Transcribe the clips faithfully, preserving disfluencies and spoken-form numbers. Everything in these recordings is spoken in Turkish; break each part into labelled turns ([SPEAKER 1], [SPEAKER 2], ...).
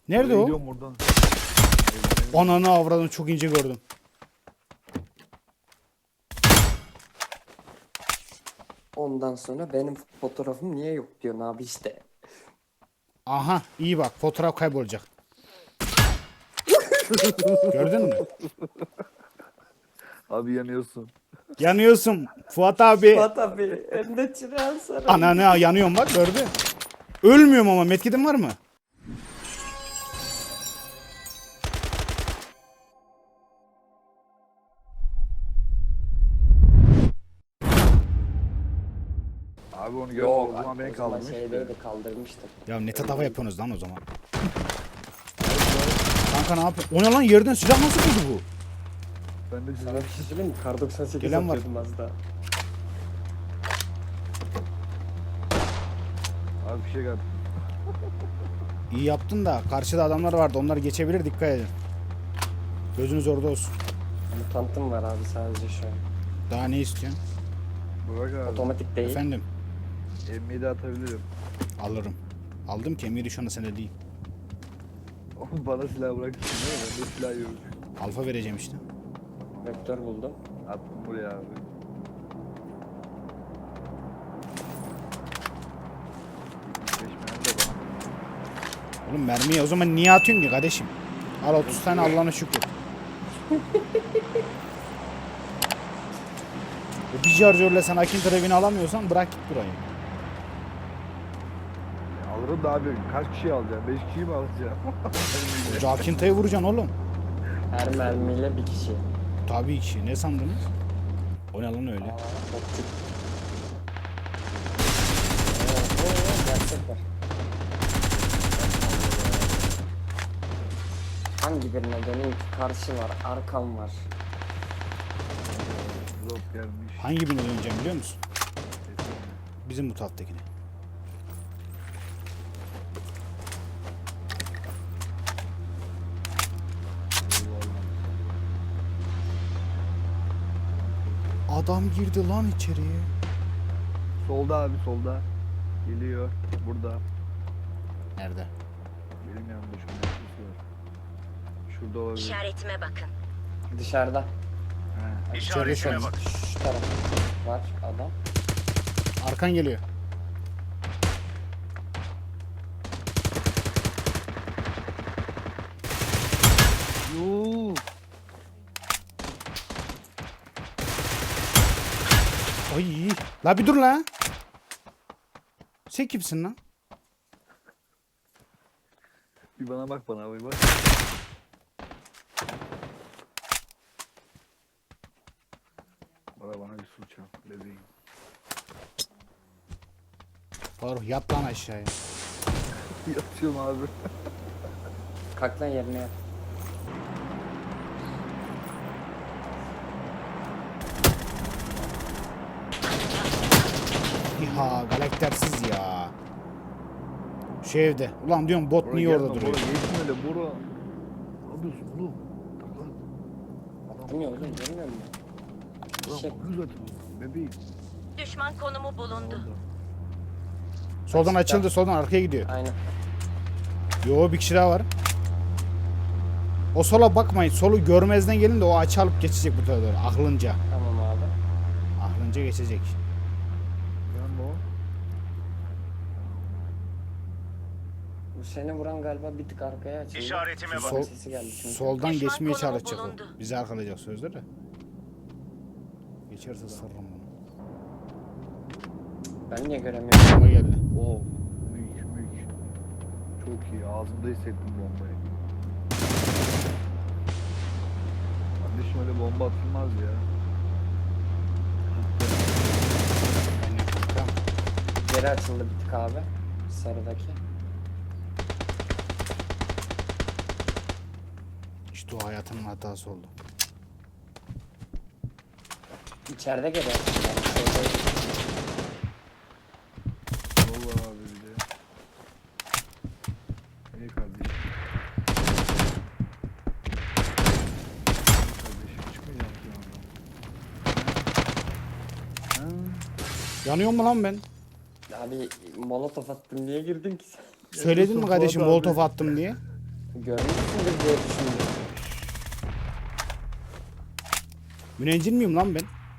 [SPEAKER 1] Nerede
[SPEAKER 2] Oraya
[SPEAKER 1] o?
[SPEAKER 2] gidiyorum oradan.
[SPEAKER 1] Ananı avradını çok ince gördüm.
[SPEAKER 3] Ondan sonra benim fotoğrafım niye yok diyorsun abi işte.
[SPEAKER 1] Aha iyi bak fotoğraf kaybolacak. Gördün mü?
[SPEAKER 2] Abi yanıyorsun.
[SPEAKER 1] Yanıyorsun Fuat abi.
[SPEAKER 3] Fuat abi önde çırağın sarı.
[SPEAKER 1] Ananı yanıyorum bak gördü. Ölmüyorum ama medkitim var mı?
[SPEAKER 2] Abi onu gör.
[SPEAKER 3] Yok
[SPEAKER 2] O zaman beni
[SPEAKER 3] o zaman
[SPEAKER 2] kaldırmış.
[SPEAKER 3] şeydeydi kaldırmıştım.
[SPEAKER 1] Ya ne tava yapıyorsunuz lan o zaman? Kanka ne yapıyorsun? O ne lan yerden silah nasıl buldu bu?
[SPEAKER 2] Ben de
[SPEAKER 3] Sana bir şey söyleyeyim mi? Kar doksan sekiz
[SPEAKER 1] Gelen var.
[SPEAKER 3] atıyordum az daha.
[SPEAKER 2] Abi bir şey geldi.
[SPEAKER 1] İyi yaptın da karşıda adamlar vardı onlar geçebilir dikkat edin. Gözünüz orada olsun.
[SPEAKER 3] Mutantım var abi sadece şu an.
[SPEAKER 1] Daha ne istiyorsun?
[SPEAKER 2] Burak abi.
[SPEAKER 3] Otomatik değil.
[SPEAKER 1] Efendim
[SPEAKER 2] M yedi atabilirim.
[SPEAKER 1] alırım. Aldım ki emiri şu anda sende değil.
[SPEAKER 2] Oğlum bana silah bırakırsın değil mi? Ben de silah yok.
[SPEAKER 1] Alfa vereceğim işte.
[SPEAKER 3] Vektör buldum.
[SPEAKER 2] Attım buraya abi. Seçmeyen de bana.
[SPEAKER 1] Oğlum mermiyi o zaman niye atıyorsun ki kardeşim? Al otuz tane Allah'ına şükür. O bir şarjörle sen Akin Trevi'ni alamıyorsan bırak git burayı.
[SPEAKER 2] Ya alırım da abi kaç kişi alacağım? beş kişiyi mi alacağım?
[SPEAKER 1] Hoca Akinta'yı vuracaksın oğlum.
[SPEAKER 3] Her mermiyle bir kişi.
[SPEAKER 1] Tabii ki. Ne sandınız? O ne lan öyle?
[SPEAKER 3] Aa, optik. Oo, oo, gerçek var. Hangi birine döneyim ki? Karşı var, arkam var.
[SPEAKER 2] Drop gelmiş.
[SPEAKER 1] Hangi birine döneceğim biliyor musun? Bizim bu tattakine. Adam girdi lan içeriye.
[SPEAKER 2] Solda abi solda. Geliyor. Burada.
[SPEAKER 1] Nerede?
[SPEAKER 2] Benim yanımda şu an. Şurada olabilir.
[SPEAKER 4] İşaretime bakın.
[SPEAKER 3] Dışarıda.
[SPEAKER 2] He.
[SPEAKER 1] İçeride şu an.
[SPEAKER 3] Şu taraf var adam.
[SPEAKER 1] Arkan geliyor.
[SPEAKER 2] Yuuu.
[SPEAKER 1] Ay, la bir dur la. Sen kimsin lan?
[SPEAKER 2] Bir bana bak bana abi bak. Bana bana bir su çal bebeğim.
[SPEAKER 1] Faruk yat lan aşağıya.
[SPEAKER 2] Yatıyorum abi.
[SPEAKER 3] Kalk lan yerine yat.
[SPEAKER 1] İha galaktersiz ya. Şu evde. Ulan diyorum bot
[SPEAKER 2] Bora
[SPEAKER 1] niye
[SPEAKER 2] gelme,
[SPEAKER 1] orada duruyor?
[SPEAKER 2] Bora geçme öyle Bora. Ne yapıyorsun oğlum? Taklan.
[SPEAKER 3] Attım ya oğlum görmüyor musun?
[SPEAKER 2] Ulan
[SPEAKER 3] Şey-
[SPEAKER 2] bakıyor zaten. Bebeğim.
[SPEAKER 4] Düşman konumu bulundu.
[SPEAKER 1] Soldan açıldı soldan arkaya gidiyor.
[SPEAKER 3] Aynen.
[SPEAKER 1] Yo bir kişi daha var. O sola bakmayın. Solu görmezden gelin de o açı alıp geçecek bu tarafa doğru. Aklınca.
[SPEAKER 3] Tamam abi.
[SPEAKER 1] Aklınca geçecek.
[SPEAKER 2] Ben o.
[SPEAKER 3] Bu seni vuran galiba bir tık arkaya açıldı.
[SPEAKER 5] İşaretime
[SPEAKER 1] Sol,
[SPEAKER 3] Sesi geldi çünkü.
[SPEAKER 1] soldan
[SPEAKER 4] Düşman
[SPEAKER 1] geçmeye
[SPEAKER 4] konumu
[SPEAKER 1] çalışacak
[SPEAKER 4] bulundu.
[SPEAKER 1] o. Bizi arkalayacak sözde de. Geçerse sarırım bunu.
[SPEAKER 3] Ben niye göremiyorum?
[SPEAKER 1] Ama geldi.
[SPEAKER 2] Oo. Mük mük. Çok iyi. Ağzımda hissettim bombayı. Kardeşim öyle bomba atılmaz ya.
[SPEAKER 1] Aynen kanka.
[SPEAKER 3] Geri açıldı bir tık abi. Sarıdaki.
[SPEAKER 1] İşte o hayatının hatası oldu.
[SPEAKER 3] İçeride geri açıldı. Yani şeyde-
[SPEAKER 2] Yol var abi bir de. İyi kardeşim. İyi kardeşim çıkmayacağım ki yandan. Ha?
[SPEAKER 1] Yanıyor mu lan ben?
[SPEAKER 3] Abi molotof attım niye girdin ki sen?
[SPEAKER 1] Söyledin mi
[SPEAKER 2] Fuat
[SPEAKER 1] kardeşim
[SPEAKER 2] abi.
[SPEAKER 1] molotof attım diye?
[SPEAKER 3] Görmüşsündür diye düşündüm.
[SPEAKER 1] Müneccin miyim lan ben?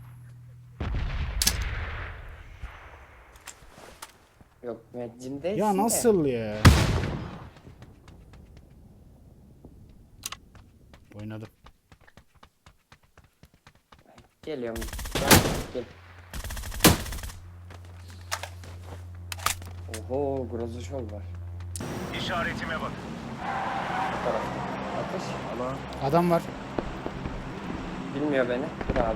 [SPEAKER 3] Yok müeccin değilsin
[SPEAKER 1] Ya
[SPEAKER 3] de.
[SPEAKER 1] nasıl ya? Oynadım.
[SPEAKER 3] Geliyorum. Gel. Gel. Oho, Grozuşov var.
[SPEAKER 5] İşaretime bak.
[SPEAKER 3] Bu tarafta. Atış.
[SPEAKER 2] Alan.
[SPEAKER 1] Adam var.
[SPEAKER 3] Bilmiyor beni. Dur abi.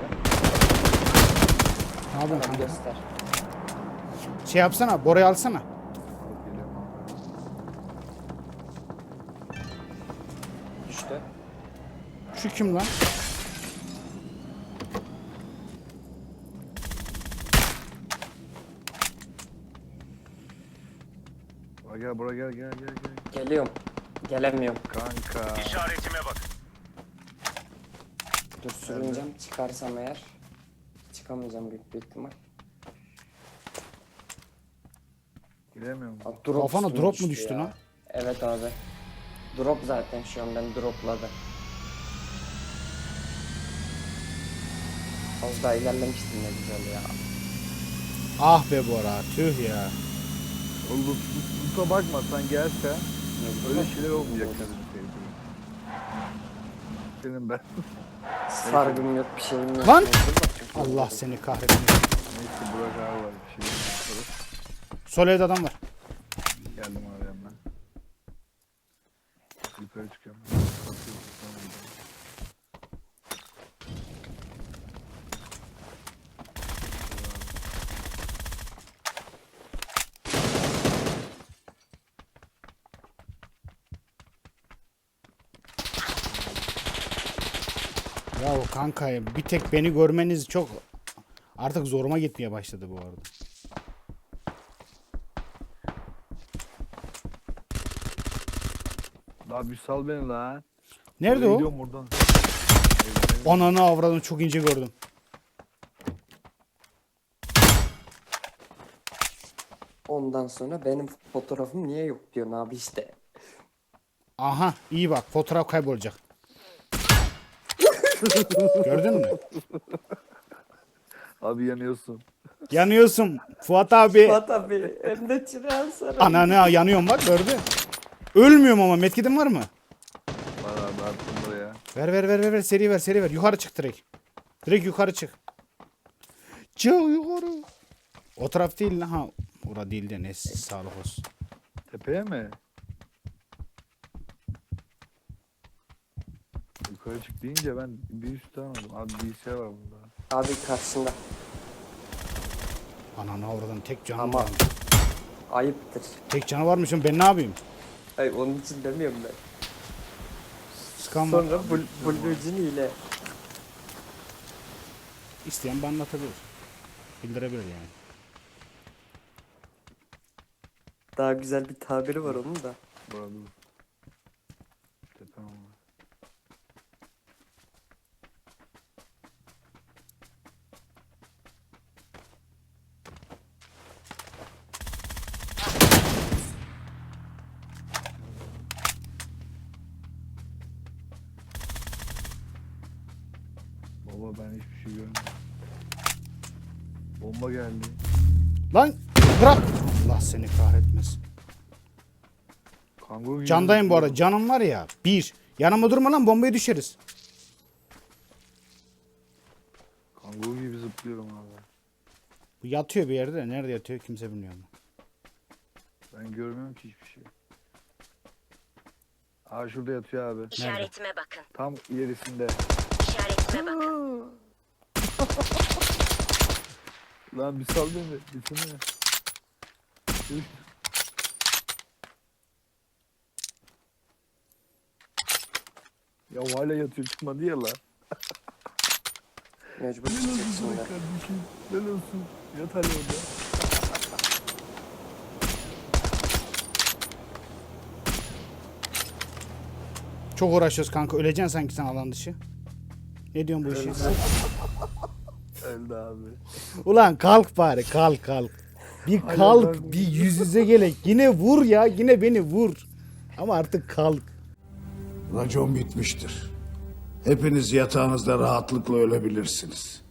[SPEAKER 1] Ne yapıyorsun
[SPEAKER 3] Tamam
[SPEAKER 1] kanka?
[SPEAKER 3] göster.
[SPEAKER 1] Şey yapsana, Bora'yı alsana.
[SPEAKER 2] Alıp geliyorum abi.
[SPEAKER 3] Düştü.
[SPEAKER 1] Şu kim lan?
[SPEAKER 2] Buraya gel buraya gel gel gel gel.
[SPEAKER 3] Geliyorum. Gelemiyorum.
[SPEAKER 2] Kanka.
[SPEAKER 5] İşaretime bak.
[SPEAKER 3] Dur sürüneceğim. Çıkarsam eğer. Çıkamayacağım büyük bir ihtimal.
[SPEAKER 2] Giremiyorum.
[SPEAKER 3] Aa, drop
[SPEAKER 1] Kafana
[SPEAKER 3] üstüme
[SPEAKER 1] drop mu
[SPEAKER 3] düştü
[SPEAKER 1] düştü
[SPEAKER 3] ya.
[SPEAKER 1] lan?
[SPEAKER 3] Evet abi. Drop zaten şu an beni dropladı. Az daha ilerlemiştim ne güzel ya.
[SPEAKER 1] Ah be Bora, tüh ya.
[SPEAKER 2] Oğlum Lut'a bakma sen gelse
[SPEAKER 3] Ne
[SPEAKER 2] öyle
[SPEAKER 3] güzel.
[SPEAKER 2] şeyler olmayacak senin sevdiğin. Senin ben.
[SPEAKER 3] Sargım yok bir şeyim yok.
[SPEAKER 1] Lan!
[SPEAKER 3] Neyse, bakayım.
[SPEAKER 1] Allah seni kahretsin.
[SPEAKER 2] Neyse Burak abi var bir şey yaparız.
[SPEAKER 1] Sol evde adam var.
[SPEAKER 2] Geldim abi hemen. Yukarı çıkıyorum.
[SPEAKER 1] Ya kanka bir tek beni görmeniz çok artık zoruma gitmeye başladı bu arada.
[SPEAKER 2] Daha bir sal beni lan.
[SPEAKER 1] Nerede
[SPEAKER 2] Oraya
[SPEAKER 1] o?
[SPEAKER 2] gidiyorum buradan.
[SPEAKER 1] Ananı avradını çok ince gördüm.
[SPEAKER 3] Ondan sonra benim fotoğrafım niye yok diyorsun abi işte.
[SPEAKER 1] Aha iyi bak fotoğraf kaybolacak. Gördün mü?
[SPEAKER 2] Abi yanıyorsun.
[SPEAKER 1] Yanıyorsun Fuat abi.
[SPEAKER 3] Fuat abi hem de çırağın sarı.
[SPEAKER 1] Ananı yanıyorum bak gördün. Ölmüyorum ama metkidim var mı?
[SPEAKER 2] Var abi attım buraya.
[SPEAKER 1] Ver ver ver ver ver seri ver seri ver. Yukarı çık direkt. Direkt yukarı çık. Çık yukarı. O taraf değil lan. Ha. Ora değil de ne sağlık olsun.
[SPEAKER 2] Tepeye mi? Yukarı çık deyince ben bir üstte anladım. Abi bilgisayar var bunda.
[SPEAKER 3] Abi karşında.
[SPEAKER 1] Ananı avradan tek canı
[SPEAKER 3] Ama-
[SPEAKER 1] var.
[SPEAKER 3] Ayıptır.
[SPEAKER 1] Tek canı varmışım ben ne yapayım?
[SPEAKER 3] Ay onun için demiyorum ben.
[SPEAKER 1] Sıkan var.
[SPEAKER 3] Sonra bul bulbülcün ile.
[SPEAKER 1] İsteyen bana anlatabilir. Bildirebilir yani.
[SPEAKER 3] Daha güzel bir tabiri var onun da.
[SPEAKER 2] Burada dur. Tepem var. Baba ben hiçbir şey görmedim. Bomba geldi.
[SPEAKER 1] Lan bırak. Allah seni kahretmesin.
[SPEAKER 2] Kanguru gibi
[SPEAKER 1] Candayım bu arada.
[SPEAKER 2] zıplıyorum.
[SPEAKER 1] Canım var ya. Bir. Yanıma durma lan bombaya düşeriz.
[SPEAKER 2] Kanguru gibi zıplıyorum abi.
[SPEAKER 1] Bu yatıyor bir yerde de. Nerede yatıyor kimse bilmiyor.
[SPEAKER 2] Ben görmüyorum ki hiçbir şey. Aa şurada yatıyor abi.
[SPEAKER 4] İşaretime bakın.
[SPEAKER 2] Tam ilerisinde.
[SPEAKER 4] İşaretime bakın.
[SPEAKER 2] Lan bir sal beni. Bitsene. Üf. Ya hala yatıyor çıkmadı ya la.
[SPEAKER 3] Mecbur
[SPEAKER 2] Ne
[SPEAKER 3] çıkacak
[SPEAKER 2] olsun
[SPEAKER 3] şimdi.
[SPEAKER 2] sana kardeşim? Ne olsun? Yat hala orada.
[SPEAKER 1] Çok uğraşıyoruz kanka. Öleceksin sanki sen alan dışı. Ne diyorsun bu işe?
[SPEAKER 2] Öldü abi.
[SPEAKER 1] Ulan kalk bari kalk kalk. Bir
[SPEAKER 2] Hala
[SPEAKER 1] kalk
[SPEAKER 2] ben-
[SPEAKER 1] bir yüz yüze gelek. Yine vur ya yine beni vur. Ama artık kalk.
[SPEAKER 6] Racon bitmiştir. Hepiniz yatağınızda rahatlıkla ölebilirsiniz.